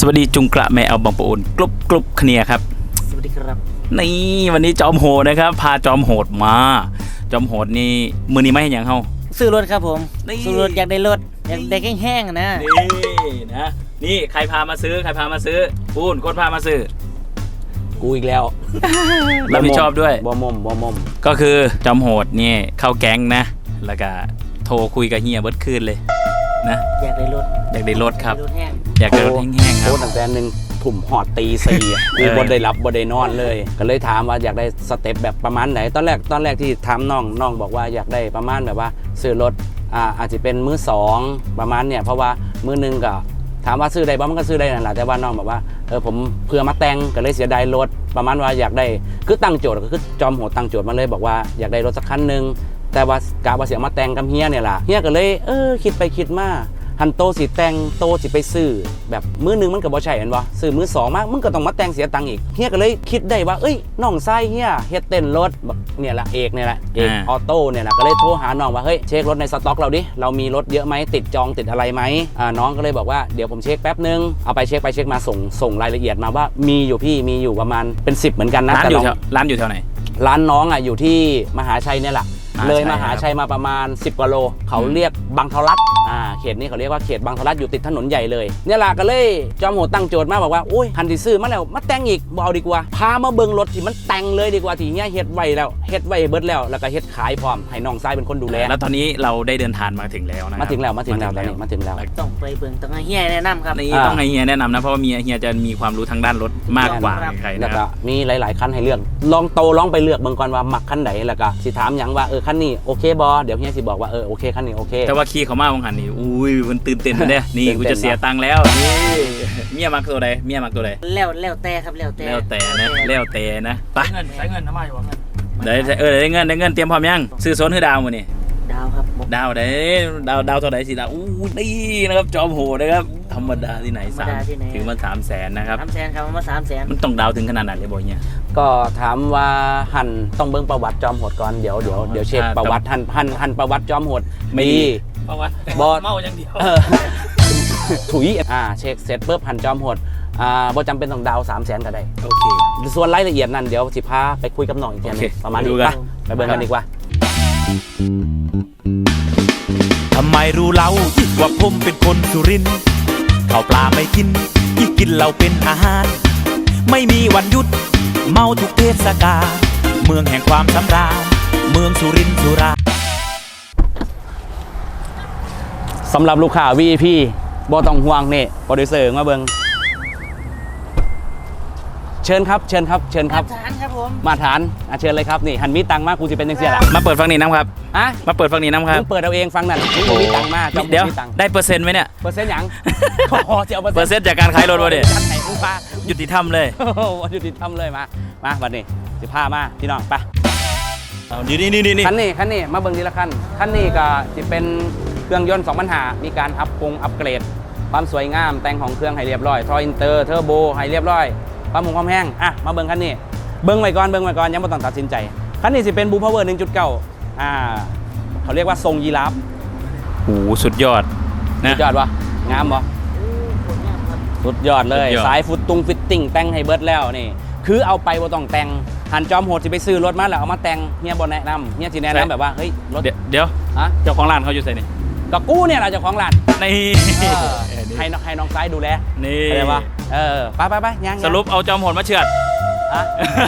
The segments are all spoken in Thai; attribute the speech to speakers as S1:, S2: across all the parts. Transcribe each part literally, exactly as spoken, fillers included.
S1: สวัสดีจุงกระแม่เอาบางปะอุนกรุบกรุบเคลียร์ครับ
S2: สวัสดีครับ
S1: นี่วันนี้จอมโหดนะครับพาจอมโหดมาจอมโหดนี่มือนี้ไม่เห็นอย่างเขา
S2: ซื้อรถครับผมซื้อรถอยากได้รถอยากได้แห้งๆนะ
S1: นี่นะนี่ใครพามาซื้อใครพามาซื้อปูนคนพามาซื้อ
S3: กูอีกแล้ว
S1: รับผิดชอบด้วย
S3: บอมมบอมม
S1: ก็คือจอมโหดนี่เข้าแก๊งนะแล้วก็โทรคุยกับเฮียเบิร์ดคืนเลยนะ
S2: อยากได้รถ
S1: อยากได้รถครับ
S2: รถแห้ง
S1: อยากได้รถแห้งๆครับ
S3: โอ้ตั้งแต่หนึ่งถุ่มหอดตีสี่กูบดได้รับบดได้นอนเลยก็เลยถามว่าอยากได้สเต็ปแบบประมาณไหนตอนแรกตอนแรกที่ถามน้องน้องบอกว่าอยากได้ประมาณแบบว่าซื้อรถอ่าอาจจะเป็นมือสองประมาณเนี่ยเพราะว่ามือหนึ่งก็ถามว่าซื้อได้บ้างมันก็ซื้อได้นั่นแหละแต่ว่าน้องบอกว่าเออผมเพื่อมาแต่งก็เลยเสียดายรถประมาณว่าอยากได้คือตั้งโจทย์ก็คือจอมโหดตั้งโจทย์มาเลยบอกว่าอยากได้รถสักคันหนึ่งแต่ว่ากะว่าเสียมาแต่งกับเฮียเนี่ยแหละเฮียก็เลยเออคิดไปคิดมาหันโตสิแต่งโตสิไปซื้อแบบมือหนึ่งมันก็บ่ใช่เห็นบ่ซื้อมือสองมากมึงก็ต้องมาแต่งเสียตังค์อีกเฮียก็เลยคิดได้ว่าเอ้ยน้องไส้เฮียเฮ็ดเต้นรถเนี่ยแหละเอกเนี่ยแหละเอกออโต้เนี่ยแหละก็เลยโทรหาน้องว่าเฮ้ยเช็ครถในสต็อกเราดิเรามีรถเยอะไหมติดจองติดอะไรไหมอ่าน้องก็เลยบอกว่าเดี๋ยวผมเช็คแป๊บนึงเอาไปเช็คไปเช็คมาส่งส่งรายละเอียดมาว่ามีอยู่พี่มีอยู่ประมาณเป็นสิบเหมือนกันนะ
S1: ร้านอยู่แถวร้านอยู่แถวไหน
S3: ร้านน้องอ่ะอยู่ที่มหาชัยเนี่ยแหละเลยมหาชัยมาประมาณสิบกว่าโลเขาเรียกบางทรัดอ่าเขตนี้เขาเรียกว่าเขตบางทรัดอยู่ติดถนนใหญ่เลยเนี่ยแหละก็เลยจอมโหดตั้งโจทย์มาบอกว่าอุ้ยคันที่ซื้อมาแล้วมาแต่งอีกบ่เอาดีกว่าพามาเบิ่งรถที่มันแต่งเลยดีกว่าที่เนี้ยเฮ็ดไว้แล้วเฮ็ดไว้เบิดแล้วแล้วก็เฮ็ดขายพร้อมให้น้องชายเป็นคนดูแล
S1: แล้วตอนนี้เราได้เดินทางมาถึงแล้วนะ
S3: มาถึงแล้วมาถึงแล้วตอนนี้มาถึงแล้ว
S2: ต้องไปเบิ่งต้องให้เฮียแนะนำครับ
S1: นี่ต้องให้เฮียแนะนำนะเพราะว่ามีเฮียจะมีความรู้ทางด้านรถมากกว่าใครนะ
S3: แล้วก็มีหลายๆคันให้เลือกลองโตลองไปเลือกเบิ่งก่อนว่ามักคันไหนแล้วก็สิถามหยังว่าเออคันนี้โอเคบอเดี๋ยวเฮียสิบอกว่าเออโอเคคันนี้โอเค
S1: แต่ว่าขี่เขามาบางคันนี่อุ้ยมันตื่นเต้นเนี่ยนี่กูจะเสียตังค์แล้วนี่เมียมักตัวใดเมียมักตัวใด
S2: แล้วแล้วแต่ครับแล้วแต่
S1: แล้วแต่นะแล้วแต่นะไป
S2: เงินใช้เงินทำไมวะเงิน
S1: ได้เออได้เงินได้เงินเตรียมพร้อมยังซื้อโซนคือดาวมื้อนี่
S2: ดาวครับ
S1: ดาวได้ดาวดาวเท่าไหร่สิดาวอู้นี่นะครับจอมโหดนะครับธรรมดาที่ไหนสามถึงมาสามแสนนะครับ
S2: สามแสนครับมาสามแสน
S1: มันต้องดาวถึงขนาดไหนเลยบ่เนี่ย
S3: ก็ถามว่าหันต้องเบิ่งประวัติจอมโหดก่อนเดี๋ยวเดี๋ยวเดี๋ยวเช็คประวัติหันหันหันประวัติจอมโหดมี
S1: ประวัติ
S3: บอ
S1: เมาอย่างเดียว
S3: ถุยอ่าเช็คเสร็จปุ๊บหันจอมโหดอ่าบ่จำเป็นต้องดาวสามแสนก็ได้
S1: โอเค
S3: ส่วนรายละเอียดนั่นเดี๋ยวสิพาไปคุยกับน้องอีกทีนึงประมาณนี้ป่ะไปเบิ่งกันดีกว่า
S4: ทำไมรู้เล่าว่าผมเป็นคนสุรินทร์ข้าวปลาไม่กินที่กินเราเป็นอาหารไม่มีวันหยุดเมาทุกเทศกาลเมืองแห่งความสำราญเมืองสุรินทร์สุรา
S3: สำหรับลูกค้า วี ไอ พี บ่ต้องห่วงนี่โปรดิวเซอร์มาเบิ่งเชิญครับเชิญครับเชิญครับ
S2: มาฐานครับผม
S3: มาฐานอ่ะเชิญเลยครับนี่หันมีตังมากกูจะเป็นจังซี่ล่ะ
S1: มาเปิดฟังนี้น้ำครับ
S3: อะ
S1: มาเปิดฟังนี้น้ำครับ
S3: มึงเปิดเอาเองฟังนั่นมึงมีตังมาก
S1: เดี๋ยวได้เปอร์เซ็นต์ไหมเนี่ย
S3: เปอร์เซ็นต์หยังพอจะเอา
S1: เปอร์เซ็นต์จากการขายรถวะเด็ด
S3: ไหนมึงพา
S1: ยุติธรรมเลย
S3: ยุติธรรมเลยมามาวันนี้สิพามาพี่น้องไป
S1: นี่นี่นี่นี่
S3: คันนี้คันนี้มาเบิ่งทีละคันคันนี้ก็จะเป็นเครื่องยนต์สองพันห้ามีการอัพปรุงอัปเกรดความสวยงามแต่งของเครื่องให้เรียบร้อยทออินเตอร์เทอร์โบให้เรียบร้อยความหมุนความแห้งอ่ะมาเบิ่งคันนี้เบิ่งไว้ก่อนเบิ่งไว้ก่อนยังไม่ต้องตัดสินใจคันนี้สิเป็นบูพาวเวอร์ หนึ่งจุดเก้า อ่าเขาเรียกว่าทรงยีราฟ
S1: โอ้สุดยอด
S3: นะสุดยอดวะงามบ่สุดยอดเลยสายฟุตตุงฟิตติ้งแต่งให้เบิร์ดแล้วนี่คือเอาไปบ่ต้องแต่งหันจอมโหดสิไปซื้อรถมาแล้วเอามาแต่งเฮียบ่แนะนำเฮียสิแนะนำแบบว่าเฮ้ยรถ
S1: เดี๋ยวฮะเจ้าของร้านเขาอยู่ไสนี่
S3: ก็กูเนี่ยแหละเจ้าของร้าน
S1: นี่
S3: ให้น้องให้น้องซ้ายดูแล
S1: นี่
S3: อะไรวะเออไปไปไปยัง
S1: สรุปเอาจอมโหดมาเฉือด
S3: อะ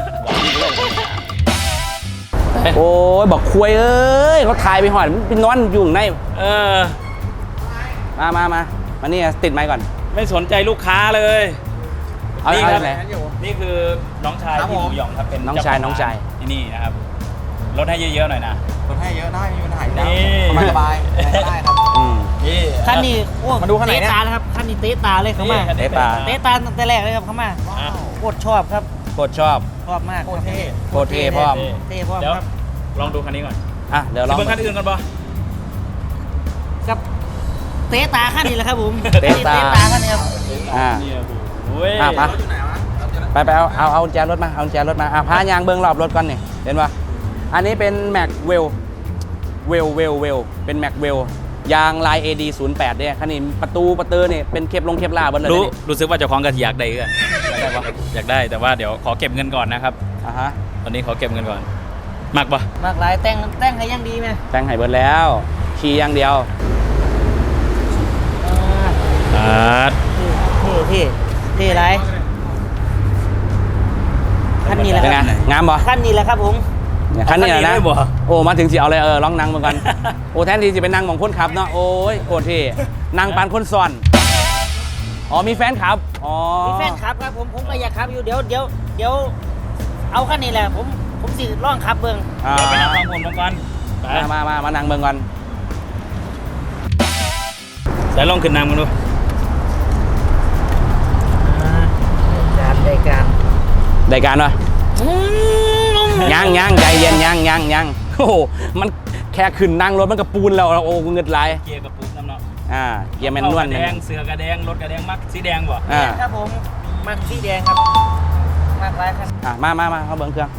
S3: โอ้ยบอกคุยเอ้ยเขาถ่ายไปหอดมันเป็นนอนอยู่ใน
S1: เออ
S3: มามามามานี่ติดไมค์ก่อน
S1: ไม่สนใจลูกค้าเลย
S3: เอานี่ครับ
S1: นี่คือน้องชายที่หมูหยองครับเป็น
S3: น้องชายน้องชาย
S1: ที่นี่นะครับลดให้เยอะๆหน่อยนะ
S5: ลดให้เยอะได้มีปัญหาได้สบายได้ครับ
S2: นี่คันนี้โอ้มาดูคันไหนเนี่ยตาครับคันนี้เตะตาเลยเข้ามา
S3: เตะตา
S2: เตะตาตั้งแต่แรกเลยครับเข้ามาโคตรชอบครับ
S3: โคตรชอบ
S2: ชอบมาก
S5: โคตรเท่
S3: โคตรเท่พร้อม
S2: เท่พร้อมครับ
S1: ลองดูคันนี้ก่อน
S3: อ่ะเดี๋ยวลอง
S1: เบิ่งคันอื่นก่อนป่ะ
S2: กับเตะตาคันนี้แหละครับผม
S3: เตะตา
S2: คันนี้ครับ
S3: อ่าอ่ะไปไปเอาเอาเอาแจรถมาเอาแจรถมาอ่ะพายางเบิ้งรอบรถก่อนนี่เห็นป่ะอันนี้เป็นแม็กเวลเวลเวลเวลเป็นแม็กเวลยางลาย เอ ดี ศูนย์แปด เนี่ยคันนี้ประตูประตูเนี่ยเป็นเคปลงเคปลาบนเลย
S1: รู้
S3: นี่
S1: รู้สึกว่าเจ้าของกระอยากได้กัน
S3: ได้ปะ
S1: อยากได้แต่ว่าเดี๋ยวขอเก็บเงินก่อนนะครับ
S3: อ่ะฮะ
S1: ตอนนี้ขอเก็บเงินก่อนมากปะ
S2: มากหลายแต่งแต่งให้ยังดีไหม
S3: แต่งให้เบิดแล้วขี่อย่างเดียว
S2: อ่า
S1: อ่า
S2: เท่เท่เท่ไรขั้นนี้แหละ
S3: เป็น
S2: ค
S3: ไง
S2: รับ
S3: งามบ่
S2: ขั้นนี้แหละครับผม
S3: เนี่ยคันนี้แหละนะ
S1: เอาคันนี้ได้บ่
S3: โอ้มาถึงสิเอาเลยเออลองนั่งมาก่อน โอ้แทนที่จะเป็นนั่งมองคนขับเนาะโอ้ยโคตรเท่นั่งปานคนซ้อนอ๋อมีแฟนขับอ๋อ
S2: มีแฟนขับครับผมผมก็อยากขับอยู่เดี๋ยวเดี๋ยวเดี๋ยวเอาขั้นนี้แหละผมผมสิล่องขับเบิ่ง
S3: อ่า
S1: เดี๋ยวไปนั่งฟังผมก่อนไป
S3: มามามามานั่งเบิ่งก่อน
S1: ใส่ลองขึ้นน้ำกันดู
S2: อ่าการได้การ
S3: ได้การวะ
S2: อืม
S3: ยังยังใจเย็นยังยังยังโอ้โหมันแค่ขึ้นนั่งรถมันก็ปูนแล้วโอ้เงินไหลาย
S1: เกียร์กับปุ๊บน้ำเนาะ
S3: อ่าเกียร์แมนนวล
S1: กระแดงเสือกระแดงรถกระแดงมักสีแดงบ่
S3: อ่า
S2: ครับผมมันสีแดงครับมากหลายครับ
S3: อ่ะมามามาเขาเบิ่งเครื่อง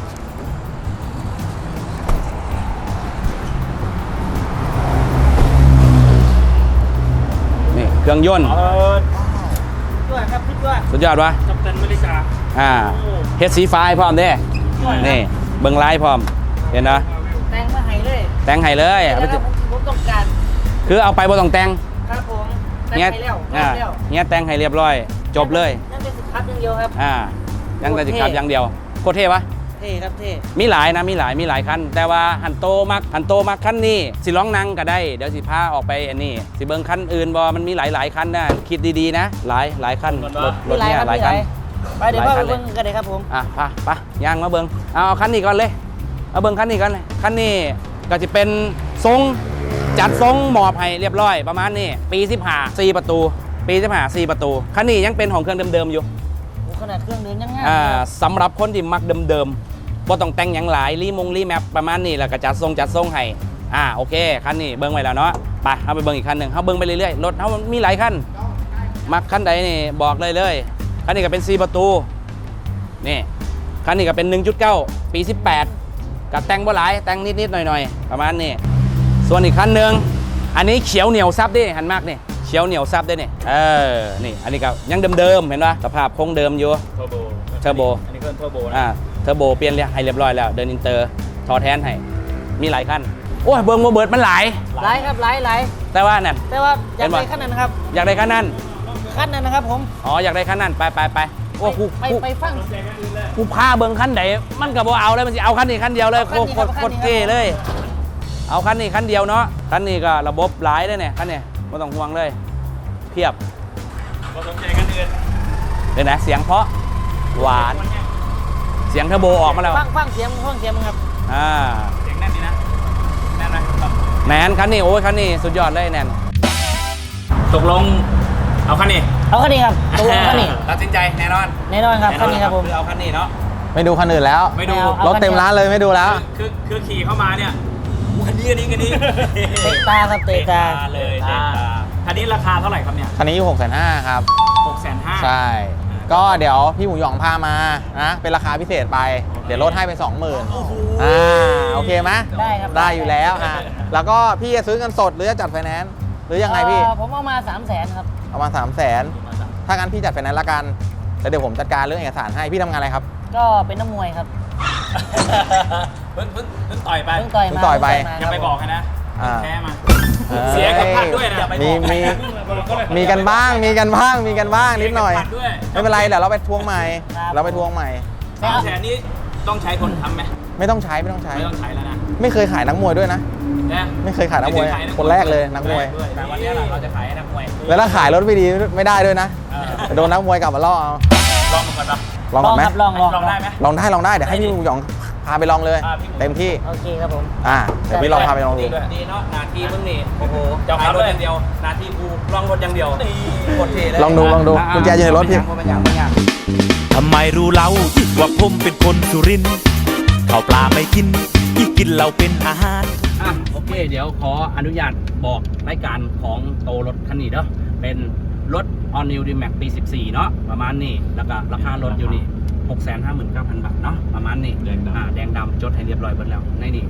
S3: นี่เครื่องยนต์
S1: เออ
S2: ด้วยครับพี่ด้วย
S3: สุดยอดวะ
S1: กัปตันอเมริกา
S3: อ่าเฮดสีไฟพร้อมเด้นี่เบิ่งไลน์พร้อมเห็นนะ
S2: แต่งมาให้เลย
S3: แต่งให้เลยเอาไป
S2: แล้วผมผมต้องการ
S3: คือเอาไปบ่ต้องแต่ง
S2: ครับผมแต่ง
S3: เงี้ย
S2: ให้แล้ว
S3: อ่า
S2: แต่งแล้ว
S3: เงี้ยแต่งให้เรียบร้อย จบเลย
S2: นั่นเป็นสินค้าอย่างเดียวครับ
S3: อ่ายังแต่สิขับอย่างเดียวโคตรเท่ปะ
S2: เท่ครับเท่
S3: มีหลายนะมีหลายมีหลายคันแต่ว่าหันโตมักหันโตมักคันนี้สิร้องนั่งก็ได้เดี๋ยวสิพาออกไปอันนี้สิเบิ่งคันอื่นบ่มันมีหลายหลายคันนะคิดดีๆนะ หลายหลายคันรถรถเนี่ยหลายคัน
S2: ไปเดี๋ยว
S3: ห
S2: พ่
S3: ลา
S2: อย
S3: คั
S2: ไป
S3: น
S2: เบิ่งกันเลยครับผม
S3: อ่ะไปไปย่างมาเบิ่งเอาเอาคันนี้ก่อนเลยเอาเบิ่งคันนี้ก่อนเลยคันนี้ก็จะเป็นทรงจัดทรงหมอบให้เรียบร้อยประมาณนี้ปีสิบห้าสี่ประตู ปีสิบห้าสี่ประตูคันนี้ยังเป็นของเครื่องเดิมๆอยู่
S2: โอ้ขนาดเครื่องเดินยังง่าย
S3: อ่าสำหรับคนที่มักเดิมๆบ่ต้องแต่งหยังหลายรีมงรีแมปประมาณนี้แล้วก็จัดทรงจัดทรงให้อ่าโอเคคันนี้เบิ่งไว้แล้วเนาะไปเอาไปเบิ่งอีกคันหนึ่งเอาเบิ่งไปเรื่อยๆรถเขามีหลายคันมักคันใดนี่บอกเลยเลยคันนี้ก็เป็นสี่ประตูนี่คันนี้ก็เป็น หนึ่งจุดเก้า ปีสิบแปดกับแต่งบ่หลายแต่งนิดๆหน่อยๆประมาณนี้ส่วนอีกคันหนึ่งอันนี้เขียวเหนียวซับดิหันมากนี่เขียวเหนียวซับได้นี่เออนี่อันนี้ก็ยังเดิมๆเห็นป่ะสภาพคงเดิมอยู่
S1: เทอร์โบ
S3: เทอร์โบ
S1: อันนี้เครื่องเทอร์โบนะ
S3: อ่าเทอร์โบเปลี่ยนให้เรียบร้อยแล้วเดินอินเตอร์ทอแทนให้มีหลายคันโอ้ยเบิร์โมเบิร์ดมันหลาย
S2: หลายครับหลายหลาย
S3: แต่ว่านั่น
S2: แต่ว่าอยาก
S3: เห็นปะ
S2: ได้ขั้นนั้นนะครับ
S3: อยากได้คันนั้น
S2: ขั้นนั้นนะครับผม
S3: อ๋ออยากได้คันนั้นไปไปไปโอ้กู
S2: ไป
S3: กู
S2: ไปฟัง
S3: กูพาเบิ้งคันไหนมันก็บ่เอาเลยมันจะเอาคันนี้คันเดียวเลย
S2: เอา
S3: โค
S2: คัน
S3: ตร
S2: นี้
S3: โคตร
S2: ครับ
S3: โคตรเท่เลย เอาคันนี้คันเดียวเนาะคันนี้ก็ระบบหลายเลยเนี่ยคันนี้ไม่ต้องห่วงเลยเพียบ
S1: ก็สนใจกันอื่น
S3: เดี๋ยวนะเสียงเพราะหวานเสียงเทอร์โบออกมาแล้ว
S2: ฟังฟังเสียงฟังเสียงมึงครับ
S3: อ่า
S1: เสียงแน่นดีนะแน่นไหมครับ
S3: แนนคันนี้โอ้ยคันนี้สุดยอดเลยแนน
S1: ตกลงเอาคันนี้
S2: เอาขั้นนี้ครับตกลงขั้นนี้
S3: ตัดสินใจแน่นอน
S2: แน่นอนครับขั้นนี้ครับผม
S3: คือเอาคันนี้เนาะ
S5: ไม่ดูคันอื่นแล้ว
S1: ไม่ดู
S2: เอา
S5: รถเต็มร้านเลยไม่ดูแล้ว
S1: คือคือขี่เข้ามาเนี่ยคันนี้คันนี้คันนี้
S2: เตะตาครับเตะตา
S1: เลยเตะตาคันนี้ราคาเท่าไหร่ครับเนี่ย
S5: คันนี้อยู่หกแสนห้าครับ
S1: หกแสนห้า
S5: ใช่ ก็เดี๋ยวพี่หมูหยองพามานะเป็นราคาพิเศษไป เดี๋ยวลดให้เป็นสองหมื่นอ่าโอเคไหม
S2: ได้ครับ
S5: ได้อยู่แล้วอ่ะแล้วก็พี่จะซื้อเงินสดหรือจะจัดไฟแนนซ์หรือยังไงพี่
S2: เอ่อผมเอามาสามแสนครับ
S5: เอามาสามแสนถ้างั้นพี่จัดไฟแนนซ์ละกันแล้วเดี๋ยวผมจัดการเรื่องเอกสารให้พี่ทำงานอะไรครับ
S2: ก็เป็นนักมวยครับ
S1: เพิ่งเพิ่งเพิ่งต่อยไป
S2: เพิ่งต่อย
S5: เพิ่
S2: มาง
S5: ต่อยไป
S2: เพิ่ง
S1: อย่าไปบอกให้นะ
S5: อ่า
S1: แพ้มา
S5: เอ้ย
S1: เสียกับพัดด้วยนะอย่าไป
S5: มี
S1: บอก
S5: มี
S1: ใครนะ
S5: มีกันบ้างมีกันบ้างมีกันบ้างนิดหน่อย
S1: เสีกับพัด้วย
S5: ไม่เป็นไรเดี๋ยวเราไปทวงใหม่ เราไปทวงใหม่
S1: สามแสนนี้ต้องใช้คนทำไหม
S5: ไม่ต้องใช้ไม่ต้องใช้
S1: ไม่ต้องใช้แล้วนะ
S5: ไม่เคยขายนักมวยด้วยนะ
S1: นะ
S5: ไม่เคยขายนักมวย
S1: ไเคข
S5: คนแรกเลยนักมวย
S1: ด้วย
S3: แต่วันนี้เราจะขายให้นักมวย
S5: แล้วถ้าขายรถไม่ดีไม่ได้ด้วยนะ
S1: เออ
S5: โดนนักมวยกลับมาล่อเอา
S1: ลองมาก่อนปะ
S5: ลองก่อนไหม
S2: ครับลองลอง
S1: ลองได้ไหม
S5: ลองได้ลองได้เดี๋ยวให้พี่หมูหยองพาไปลองเลย
S1: อ่าพี่หมู
S5: เต็มที่
S2: โอเคครับผม
S5: อ่าเดี๋ยวพี่ลองพาไปลองดู
S3: ดีเนาะนาทีมึงนี่โอ้โห
S1: เจ้า
S3: ขา
S1: ขั
S3: ย
S1: บ
S3: ร
S1: ด้
S3: ถ
S1: วย
S3: อย่างเดียวนาทีกูลองรถอย่างเดียวโคตรเท่เลย
S5: ลองดูลองดูกุญแจอยู่ในรถพี่
S3: มันยังมันยัง
S4: ทำไมรู้เล่าว่าผมเป็นคนสุรินทร์ข้าวปลาไม่กินที่กินเราเป็นอาหาร
S3: อ่ะโอเค เดี๋ยวขออนุญาตบอกรายการของโตรถคันนี้เนาะเป็นรถ All New D-Max ปี สิบสี่ เนาะประมาณนี้แล้วก็ราคารถอยู่นี่ หกแสนห้าหมื่นเก้าพัน บาทเนาะประมาณนี้
S1: แดงดำ
S3: อ่าแดงดำจดให้เรียบร้อยหมดแล้วในนี่ทะบงทะ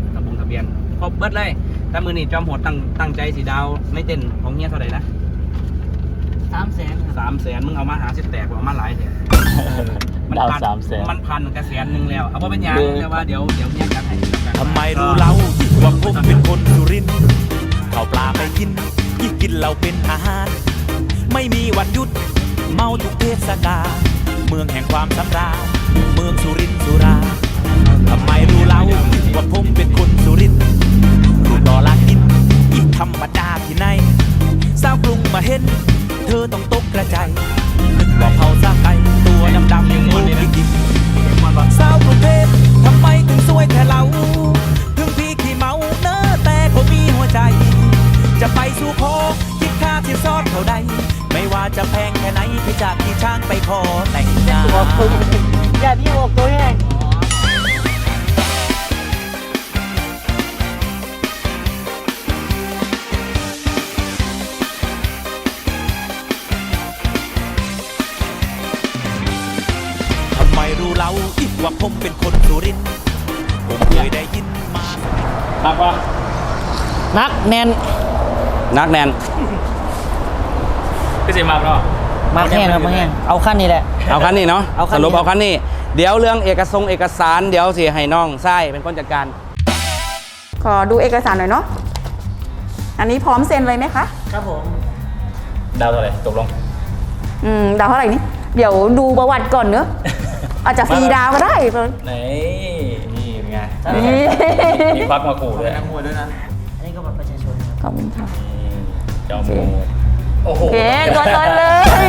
S3: เบียนครบเบิดเลยแต่มือนี่จอมโหดตั้งตั้งใจสีดาวไม่เต้นของเฮียเท่าไหร่นะ
S2: สามแสนครับ
S3: สามแสนมึงเอามาหาสิบแตกเอามาหลายแถ
S1: ดาวสามแสน
S3: มันพันกระแสนหนึ่งแล้วเอาว่าเป็นยังแต่ว่าเดี๋ยวเดี๋ยวเฮียจัดให้
S4: ทำไมรู้เล่าว่าผมเป็นคนสุรินทร์ข้าวปลาไม่กินยิ่งกินเราเป็นอาหาร ไม่มีวันหยุดเมาทุกเทศกาลเมืองแห่งความสำราญเมืองสุรินทร์สุราทำไมรู้เล่าว่าผมเป็นคนสุรินทร์รูปหล่อลากินยิ่งธรรมดาที่ไหนสาวกรุงมาเห็นเธอต้องตกกระจายนึกว่าเผาซากไก่ตัวดำๆอย่างงูจริงๆสาวกรุงเทพทำไมถึงสวยแต่เรา ถึงพี่ขี้เมาเนอะแต่เขามีหัวใจ จะไปสู่ขอคิดค่าที่ซอดเท่าใด ไม่ว่าจะแพงแค่ไหนพี่จากที่ช้างไปขอแต่งงาน
S2: อย่าพี่บอกตัวแห้ง
S4: ทำไมรู้เล่าอีกว่าผมเป็นคนสุรินทร์ผมเคยได้ยินมา
S1: นักวะ
S2: นักแน่น
S3: นักแนน
S1: พี่สิมาเนาะ
S2: มาแห้งครับมาแห้งเอาขั้นนี้แหละ
S3: เอาคันนี้เนาะ
S2: เอาคั
S3: ส
S2: นนี้
S3: รุปเอาคันนี้เดี๋ยวเรื่องเอกสงค์เอกสารเดี๋ยวสิให้น้องไส้เป็นคนจัดการ
S6: ขอดูเอกสารหน่อยเนาะ อันนี้พร้อมเซ็นเลยไหมคะ
S2: ครับผม
S1: ดาวเท่าไหร่ตกลง
S6: อืม ดาวเท่าไหร่นี่ เดี๋ยวดูประวัติก่อนเนอะ อาจจะฟรีดาวก็ได้
S1: ไหนนี่เป็นไง
S6: นี่
S1: มีควักมาขู่ด้วย
S5: นักมวยด้วยนะ
S2: อันนี้ก็บัตรประชาชนครับ
S6: ขอบคุณค่ะ
S1: จอมโหดโอ้โห
S6: โอเคตัวตนเลย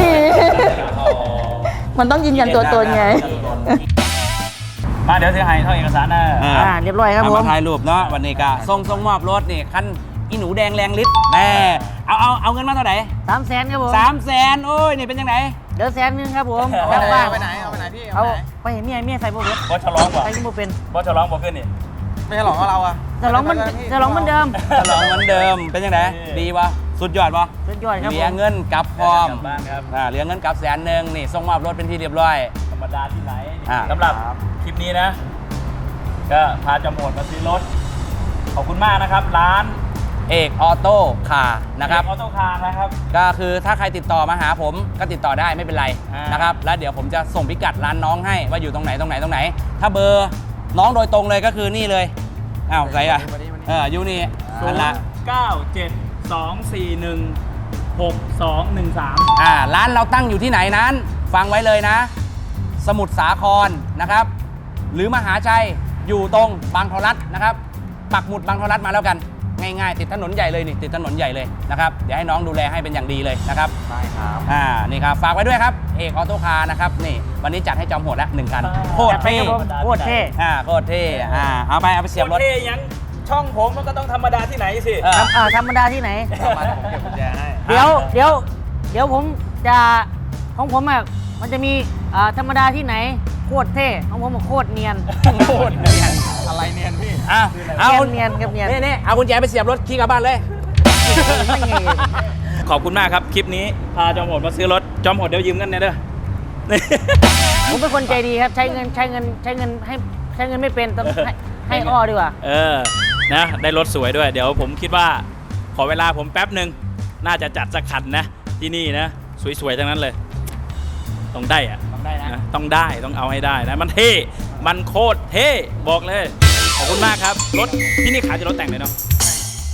S6: มันต้องยืนยันตัวตนไง
S1: มาเดี๋ยวเสียหายเท่าเอกสารนะ
S3: อ่า
S2: อ่าเรียบร้อยครับผม
S3: มาถ่ายรูปเนาะวันนี้ก็ส่งส่งมอบรถนี่คันอีหนูแดงแรงฤทธิ์แน่เอาเอาเอาเงินมาเท่าไหร่
S2: สามแสนครับผม
S3: สามแสนโอ้ยนี่เป็นยังไง
S2: เดี๋ยวแสนหนึงครับผม
S5: เอา
S2: กลับ
S5: ไป
S2: บ้าน
S5: ไหนเอาไปไหนพี่
S2: เอา
S5: เอาไปไหน
S2: ไปเห็นเมียเมียใส่โบว์
S1: บอสฉลองป่ะ
S2: ใส่ที่โบเป็น
S1: บอสฉลองบอกขึ้นนี่
S5: ไม่ใช่หลอกเราอะ
S2: จะร้องมันจะร้องเหมันเดิม
S3: ฉลองเหมือนเดิมเป็นยังไงดีปะสุดยอดปะ
S2: สุดยอดครับ
S3: เห
S2: ผ
S3: ลีย
S2: ม
S3: เงินกลับพร้อม
S1: กลับบ้านครับ
S3: อ่าเหลียเงินกลับแสนหนึ่งนี่ส่งมอบรถเป็นที่เรียบร้อย
S1: ธรรมดาที่ไหน
S3: อ่า
S1: สำหรับคลิปนี้นะ ก็พาจอมโหดมาซื้อรถ ขอบคุณมากนะครับ ร้าน
S3: เอกออโต้คาร์นะครับ
S1: ออโต้คาร์นะครับ
S3: ก็คือถ้าใครติดต่อมาหาผมก็ติดต่อได้ไม่เป็นไร
S1: อ่าน
S3: นะครับแล้วเดี๋ยวผมจะส่งพิกัดร้านน้องให้ว่าอยู่ตรงไหนตรงไหนตรงไหน ถ้าเบอร์น้องโดยตรงเลยก็คือนี่เลยอ้าวไรอ่ะเอออยู่นี่นั่นละ
S1: เก้าเจ็ดสองสี่หนึ่งหกสองหนึ่งสาม
S3: อ่าร้านเราตั้งอยู่ที่ไหนนั้น ฟังไว้เลยนะ สมุทรสาครนะครับ หรือมหาชัยอยู่ตรงบางทรัฐนะครับ ปักหมุดบางทรัฐมาแล้วกันง่ายๆ ติดถนนใหญ่เลยนี่ติดถนนใหญ่เลยนะครับเดี๋ยวให้น้องดูแลให้เป็นอย่างดีเลยนะครับ
S5: ได้ครับ
S3: อ่านี่ครับฝากไว้ด้วยครับเอกออโต้คาร์นะครับนี่วันนี้จัดให้จอมโหดละหนึ่งคันโคตรเท่
S2: จัดไปครับผมโคตรเท่
S3: อ่าโคตรเท่อ่าเอาไปเอาไปเสียบรถ
S1: เท่ยังช่องผมมันก็ต้องธรรมดาที่ไหนสิ
S3: เออ
S2: ทำอ่าธรรมดาที่ไหน
S5: เอามาผมเก็บกุญแจให้
S2: เดี๋ยวเดี๋ยวเดี๋ยวผมจะของผมอ่ะมันจะมีอ่าธรรมดาที่ไหนโคตรเท่ของผมอะโคตรเนียน
S3: โคตรเนียน
S5: อะไรเนียนพี่
S3: อ่ะเอา
S2: เนียนเนียนครับเนียน
S3: นี่นี่เอากุญแจไปเสียบรถขี่กลับบ้านเลย
S2: ไม่ไง
S1: ขอบคุณมากครับ คลิปนี้ พาจอมโหดมาซื้อรถ จอมโหดเดี๋ยวยืมกันเนี่ยเด้อ
S2: ผมเป็นคนใจดีครับใช้เงินใช้เงินใช้เงินให้ใช้เงินไม่เป็นต้องให้ให้อ้อดีกว่า
S1: เออ นะ ได้รถสวยด้วย เดี๋ยวผมคิดว่า ขอเวลาผมแป๊บหนึ่ง น่าจะจัดสักคันนะ ที่นี่นะ สวยๆ ทั้งนั้นเลย ต้องได้อะ
S2: ต้องได้นะ
S1: นะต้องได้ ต้องเอาให้ได้นะ มันเท่ มันโคตรเท่ บอกเลย ขอบคุณมากครับ รถที่นี่ขายจะรถแต่งเลยเนาะ